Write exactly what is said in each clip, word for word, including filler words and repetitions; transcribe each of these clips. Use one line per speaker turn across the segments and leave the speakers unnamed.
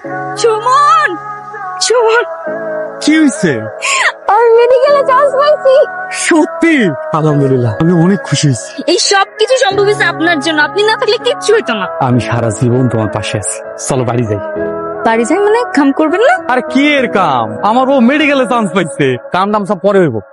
সুমন, সুমন,
কি হয়েছে?
আমি মেডিকেলে চান্স পাইছি।
সত্যি? আলহামদুলিল্লাহ, আমি অনেক খুশি হয়েছি।
এই সব কিছু সম্ভব হয়েছে আপনার জন্য। আপনি না থাকলে কিচ্ছু হইতো না।
আমি সারা জীবন তোমার পাশে আছি। চলো বাড়ি যাই।
বাড়ি যাই মানে কাম করবেন না?
আর কি এর কাম? আমার ও মেডিকেলে চান্স পাইছে, কাম দাম সব পরে হইব।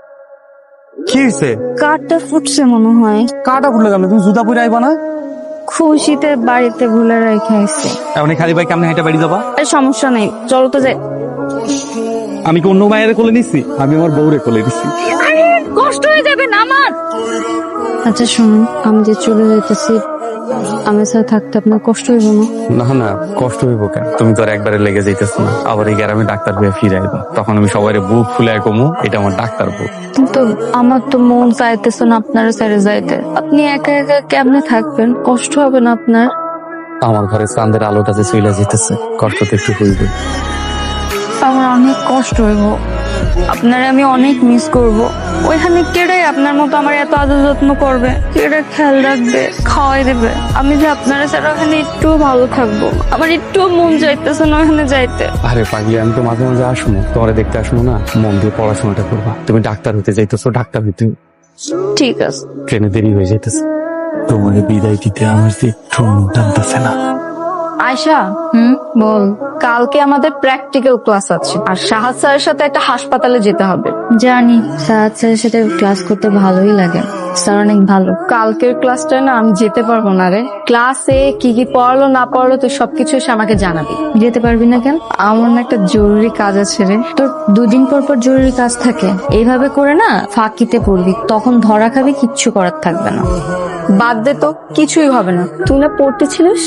কি হয়েছে?
কাঠটা ফুটছে মনে হয়।
কাটা ফুটলে গেল, তুমি জুতা পরে আইবা না?
খুশিতে বাড়িতে ভুলে রেখে আসছে।
এখন খালি ভাই কেমনে হেঁটে বাড়ি যাবা?
আর সমস্যা নেই, চলো তো যাই।
আমি কি অন্য মায়ের কোলে নিচ্ছি? আমি আমার বউরে কোলে দিচ্ছি।
আরে কষ্ট হয়ে যাবে না আমার। আচ্ছা শুনুন, আমি যে চলে যাইতেছি, আমার সাথে থাকতে আপনার কষ্ট হইব না?
না না, কষ্ট হইব কেন? তুমি তো আর একবারে লেগে যাইতেছ না। আবার এই গ্রামে ডাক্তার হয়ে ফিরে আইবা, তখন আমি সবাই বুক ফুলে কমু, এটা আমার ডাক্তার বুক।
কিন্তু আমার তো মন চাইতেছে না আপনারা ছেড়ে যাইতে। আপনি একা একা কেমনে থাকবেন? কষ্ট হবে না আপনার?
আমার ঘরে চাঁদের আলোটা যে চলে যেতেছে, কষ্ট তো একটু হইবে।
আমার অনেক কষ্ট হইব, আপনারে আমি অনেক মিস করব। ওইখানে কেড়ে আপনার মতো আমার এত আদর যত্ন করবে, কেড়ে খেয়াল রাখবে, খাওয়াই দেবে। আমি যে আপনারা ছাড়া ওখানে একটু ভালো থাকবো, আমার একটু মন চাইতেছে না ওখানে যাইতে।
আরে পাগলি, আমি তো মাঝে মাঝে আসবো, তোমার দেখতে আসবো না? মন দিয়ে পড়াশোনাটা করবা। তুমি ডাক্তার হতে যাইতেছো, ডাক্তার হইতে
ঠিক আছে।
ট্রেনে দেরি হয়ে যাইতেছে। তোমার বিদায় দিতে আমার যে একটু টানতেছে না।
আয়শা, হুম বল। কালকে আমাদের প্র্যাকটিক্যাল ক্লাস আছে, আর সাহাদ স্যারের সাথে একটা হাসপাতালে যেতে হবে। জানি, সাহাদ স্যারের সাথে ক্লাস করতে ভালোই লাগে, স্যার অনেক ভালো। কালকের ক্লাসটা না আমি যেতে পারবো না রে। ক্লাসে কি কি পড়ালো না পড়ালো তুই সবকিছু এসে আমাকে জানাবি। যেতে পারবি না কেন? আমার না একটা জরুরি কাজ আছে রে। তোর দুদিন পর পর জরুরি কাজ থাকে, এইভাবে করে না ফাঁকিতে পড়বি, তখন ধরা খাবি, কিচ্ছু করার থাকবে না। বাদ দে তো, কিছুই হবে না। তুই না পড়তেছিলিস?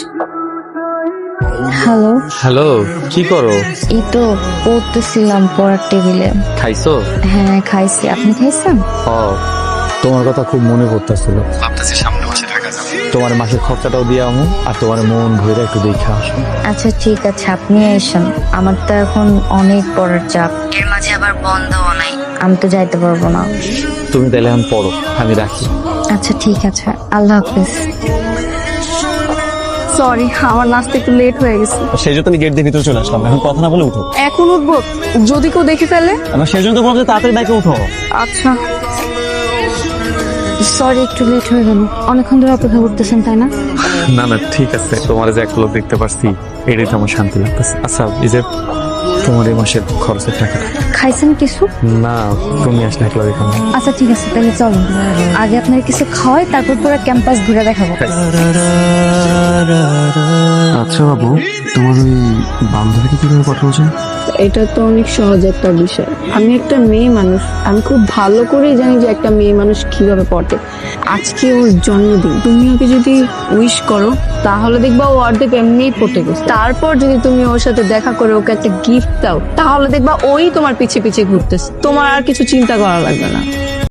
হ্যালো
হ্যালো, কি করো?
এই তো পড়তেছিলাম পড়ার টেবিলে।
খাইছো?
হ্যাঁ খাইছি, আপনি খাইছেন?
ও, তোমার কথা খুব মনে পড়তেছিল। ভাবতেছি সামনে মাসে ঢাকা যাবো, তোমার মাসের খরচাটাও দিয়ে আমু, আর তোমার মন ভরে একটু দেখে আসো।
আচ্ছা ঠিক আছে, আপনি এসেন। আমার তো এখন অনেক পড়ার চাপ, এর মাঝে আবার বন্ধও নাই, আমি তো যাইতে পারবো না।
তুমি তাহলে এখন পড়ো, আমি রাখি।
আচ্ছা ঠিক আছে, আল্লাহ হাফিজ। সরি, আমার নাচতে একটু লেট হয়ে গেছে।
সেই জন্য তুমি গেট দিয়ে ভিতরে চলে আসলাম, এখন কথা না বলে উঠো।
এখন উঠবো? যদি কেউ দেখে ফেলে?
আমার সেই জন্য তো বলতে তাড়াতাড়ি বাইকে উঠো।
আচ্ছা সরি, একটু লেট হয়ে গেল। অনেকক্ষণ ধরে অপেক্ষা করতেছেন তাই না?
না না ঠিক আছে, তোমার যে এক লোক দেখতে পারছি, এটাই তো আমার শান্তি লাগতেছে। আচ্ছা, এই যে তোমার এই মাসের খরচের টাকাটা।
খাইছেন কিছু?
না, তুমি আসলে একলা দেখাবো।
আচ্ছা ঠিক আছে, তাহলে চলো আগে আপনার কিছু খাওয়াই, তারপর পুরো ক্যাম্পাস ঘুরে দেখাবো।
আচ্ছা বাবু, তোমার ওই বান্ধবীকে কিভাবে কথা বলছেন?
এটা তো অনেক সহজ একটা বিষয়। আমি একটা মেয়ে মানুষ, আমি খুব ভালো করেই জানি যে একটা মেয়ে মানুষ কিভাবে পড়ে। আজকে ওর জন্মদিন, তুমি ওকে যদি উইশ করো তাহলে দেখবা ও অর্ধেক এমনিই পড়তে গেছে। তারপর যদি তুমি ওর সাথে দেখা করে ওকে একটা গিফট দাও, তাহলে দেখবা ওই তোমার পিছে পিছে ঘুরতেছে। তোমার আর কিছু চিন্তা করা লাগবে না।